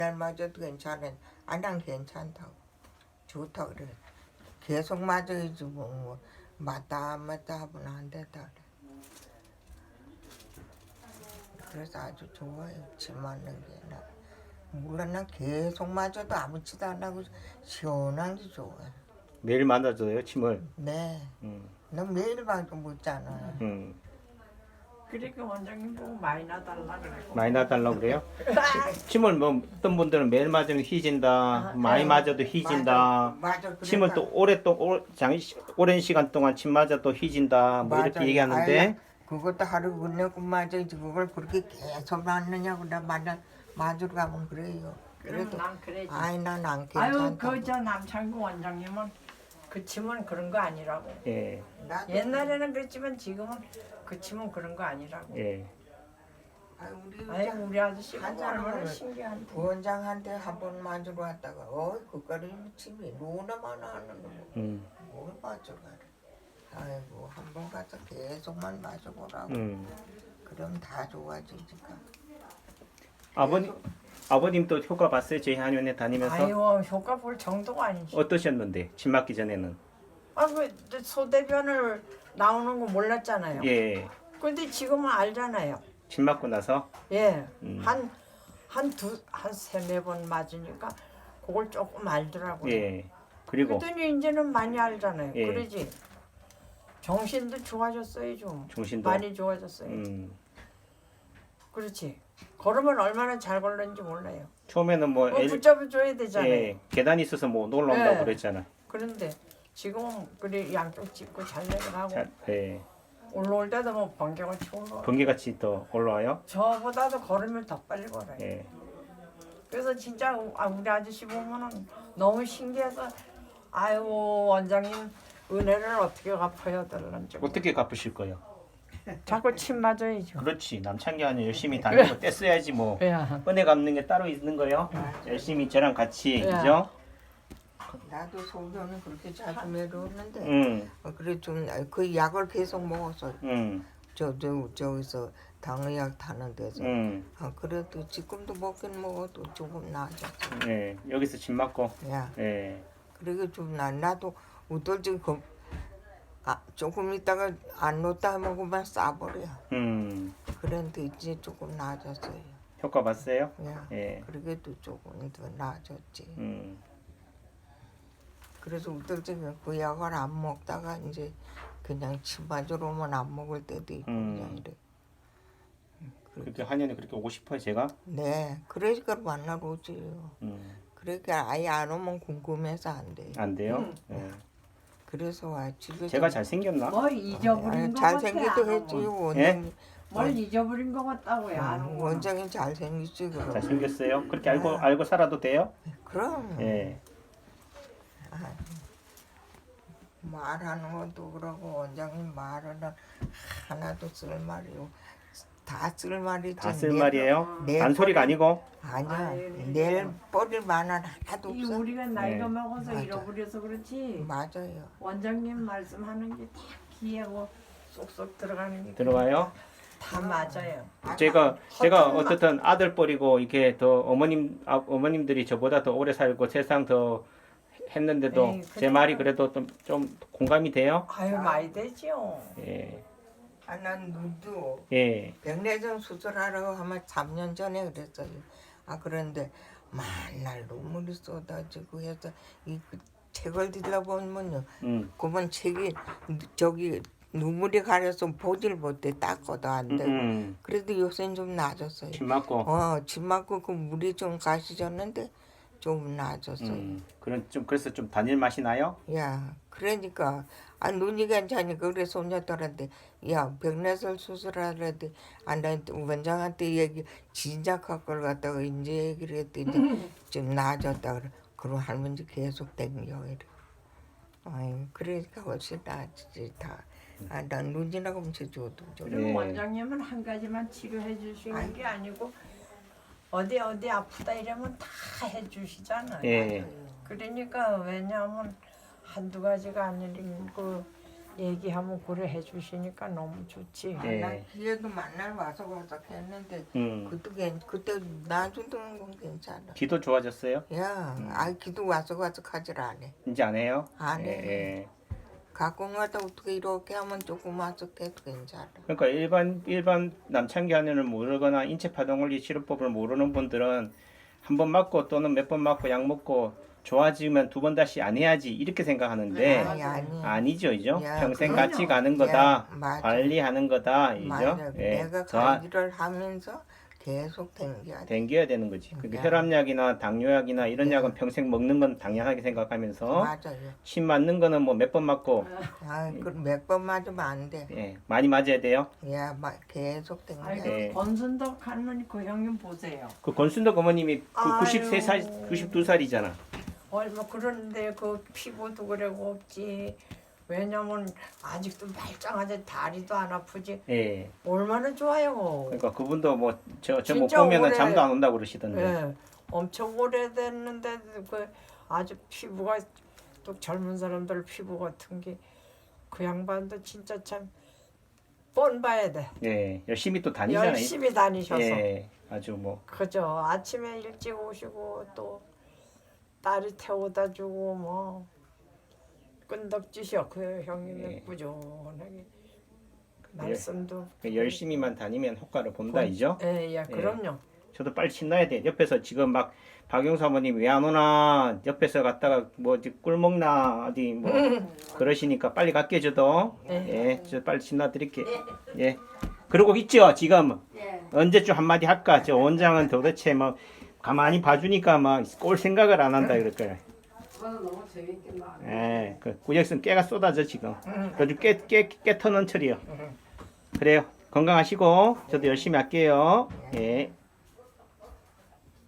맞아도 괜찮아. 난 괜찮다고. 좋다 그래. 계속 맞아야지 뭐 맞다 안 맞다 하면 안 된다 그래. 그래서 아주 좋아요. 침 맞는 게. 물론 난 계속 맞아도 아무렇지도 안 하고 시원한 게 좋아요. 매일 맞아줘요 침을. 네. 난 매일 맞고 묻잖아. 그러니까 원장님 보고 많이 나달라 그래. 많이 놔달라고 그래요? 침을 뭐 어떤 분들은 매일 맞으면 휘진다, 많이 맞아도 휘진다. 맞아. 침을 또 오랜 시간 동안 침 맞아도 휘진다 뭐 이렇게 얘기하는데 그것도 하루 끝내고 맞아야지 그걸 그렇게 계속 맞느냐고 나 맞으러 가면 그래요. 그래도 그래도 난 그래지. 난 안 아유 괜찮다고. 그 저 남창구 원장님은 그 침은 그런 거 아니라고. 예, 나도 옛날에는 그랬지만 지금은 그 침은 그런 거 아니라고. 예. 아유 우리 아저씨 한 보고 얼마나 사람은 신기한데. 부원장한테 한 번 맞으러 왔다가 그까지 침이 너무나만 하는 거. 뭘 맞으러 가래. 아이고 한 번 가서 계속만 맞아보라고. 그럼 다 좋아지니까. 아버님도 효과 봤어요? 저희 한의원에 다니면서 아유 효과 볼 정도가 아니지. 어떠셨는데 침 맞기 전에는? 아그 소대변을 나오는 거 몰랐잖아요. 예, 근데 지금은 알잖아요. 침 맞고 나서 예, 한 세네 번 맞으니까 그걸 조금 알더라고요. 예. 그리고 그랬더니 이제는 많이 알잖아요. 예. 그러지. 정신도 좋아졌어요 좀. 정신도 많이 좋아졌어요. 그렇지. 걸으면 얼마나 잘 걸는지 몰라요. 처음에는 뭐 붙잡아줘야 되잖아요. 예, 계단이 있어서 뭐 놀러온다고 예. 그랬잖아. 그런데 지금은 그래 양쪽 짚고 잘 내려가고 예. 올라올 때도 뭐 번개가 치고 올라와. 번개같이 더 올라와요. 저보다도 걸으면 더 빨리 걸어요. 예. 그래서 진짜 우리 아저씨 보면은 너무 신기해서 아유 원장님 은혜를 어떻게 갚아야 될런지 어떻게 갚으실 거예요? 자꾸 침 맞아야죠. 그렇지. 남창기 아니 열심히 다니고 떼써야지 뭐. 야. 은혜 갚는 게 따로 있는 거요. 열심히 저랑 같이 야. 그죠? 나도 소변은 그렇게 자주 매려웠는데 그래 좀 그 약을 계속 먹어서 저기서 당의약 타는 데서 그래도 지금도 먹긴 먹어도 조금 나아졌어. 예. 여기서 침 맞고. 야 예. 그리고 좀 나도 우떨지 조금 있다가 안 놓다 먹으면 싸버려. 그런데 이제 조금 나아졌어요. 효과 봤어요? 야 예. 그래도 조금 더 나아졌지. 그래서 우떨지 그 약을 안 먹다가 이제 그냥 침 맞으러 오면 안 먹을 때도 있고 그냥 이래. 그렇게 한의원에 그렇게 오고 싶어요, 제가? 네, 그러니까 만나러 오지요. 그러니까 아예 안 오면 궁금해서 안 돼. 안 돼요? 예. 그래서 와 집에 제가 잘 생겼나? 뭘 잊어버린 것 같아. 잘생기도 했지 원장님. 뭘 잊어버린 것 같다고요. 안 오고. 원장님 잘생겼지 그럼. 잘 생겼어요. 그렇게 알고 살아도 돼요? 그럼 예. 말하는 것도 그러고 원장님 말은 하나도 쓸 말이요. 다 쓸 말이지. 다 쓸 말이에요? 내 단소리가 아니고? 아니야. 낼 버릴 만한 하나도 이 없어. 우리가 나이가 네. 먹어서 맞아. 잃어버려서 그렇지. 맞아요. 원장님 말씀하는 게 다 귀하고 쏙쏙 들어가는 게 들어가요? 다 맞아요. 제가 어떻든 아들 버리고 이렇게 더 어머님들이 저보다 더 오래 살고 세상 더 했는데도 에이, 제 말이 그래도 좀 공감이 돼요? 아유 많이 되죠. 예. 난 눈도 예. 백내장 수술하라고 하면 3년 전에 그랬어요. 그런데 맨날 눈물이 쏟아지고 해서 이 책을 들여다보면요. 그만 책이 저기 눈물이 가려서 보질 못해 닦아도 안 되고. 그래도 요새는 좀 나아졌어요. 침 맞고. 침 맞고 그 물이 좀 가시졌는데 좀 나아졌어요. 그래서 좀 단일 맛이 나요? 야, 그러니까 눈이 괜찮으니까 그래 손녀들한테 야 백내설 수술하려는데 나 원장한테 얘기 진작할 걸 갖다가 이제 얘기를 했더니 좀 나아졌다 그래. 그럼 할머니 계속 댕겨 이래. 아이 그러니까 훨씬 나아지지 다. 난 눈이나 검체 줘도 그리고 네. 원장님은 한 가지만 치료해 주시는 게 아니고 어디 아프다 이러면 다 해주시잖아요. 예. 그러니까 왜냐하면 한두 가지가 아니고 얘기하면 그래 해주시니까 너무 좋지. 예. 난 기회도 만날 와서 했는데 그때 놔주던 건 괜찮아. 기도 좋아졌어요? 야, 기도 와서 하질 않네. 이제 안 해요? 안 해. 예. 가끔 가다 어떻게 이렇게 하면 조금 와서 해도 괜찮아. 그러니까 일반 남창기 안에는 모르거나 인체 파동원리 치료법을 모르는 분들은 한 번 맞고 또는 몇 번 맞고 약 먹고 좋아지면 두 번 다시 안 해야지 이렇게 생각하는데 아니. 아니죠, 이죠? 야, 평생 그럼요. 같이 가는 거다, 맞아. 관리하는 거다, 이죠? 맞아. 예. 내가 더 관리를 하면서 계속 댕겨야 돼. 댕겨야 되는 거지. 그게 야. 혈압약이나 당뇨약이나 이런 야. 약은 평생 먹는 건 당연하게 생각하면서 맞아요. 침 맞는 거는 뭐 몇 번 맞고 몇 번 맞으면 안 돼. 예, 많이 맞아야 돼요. 야, 계속 댕겨야 아이고 돼. 예. 권순덕 할머니 그 형님 보세요. 그 권순덕 어머님이 그 아유. 93살, 92살이잖아. 얼마 그런데 그 피부도 그래고 없지. 왜냐면 아직도 말짱하지 다리도 안 아프지. 예. 얼마나 좋아요. 그러니까 그분도 뭐 저 못 진짜 보면은 오래- 잠도 안 온다고 그러시던데. 예, 엄청 오래됐는데 그 아주 피부가 또 젊은 사람들 피부 같은 게 그 양반도 진짜 참 뻔 봐야 돼. 예. 열심히 또 다니잖아요. 열심히 다니셔서. 예. 아주 뭐 그죠. 아침에 일찍 오시고 또 딸이 태워다 주고 뭐 끈덕지셔 그 형님은 예. 꾸준하게 말씀도 열심히만 다니면 효과를 본다 이죠. 예, 그럼요. 저도 빨리 신나야 돼. 옆에서 지금 막 박영수 아버님 왜 안 오나 옆에서 갔다가 뭐 꿀 먹나 어디 뭐 그러시니까 빨리 갈게 저도. 예, 저 빨리 신나 드릴게. 예. 그러고 있죠 지금 언제쯤 한마디 할까? 저 원장은 도대체 뭐 가만히 봐주니까 막 꼴 생각을 안 한다 그럴 거야. 너무 재밌겠다. 예, 그 구역선 깨가 쏟아져 지금. 요즘 깨 터는 철이요. 그래요. 건강하시고 저도 열심히 할게요. 예.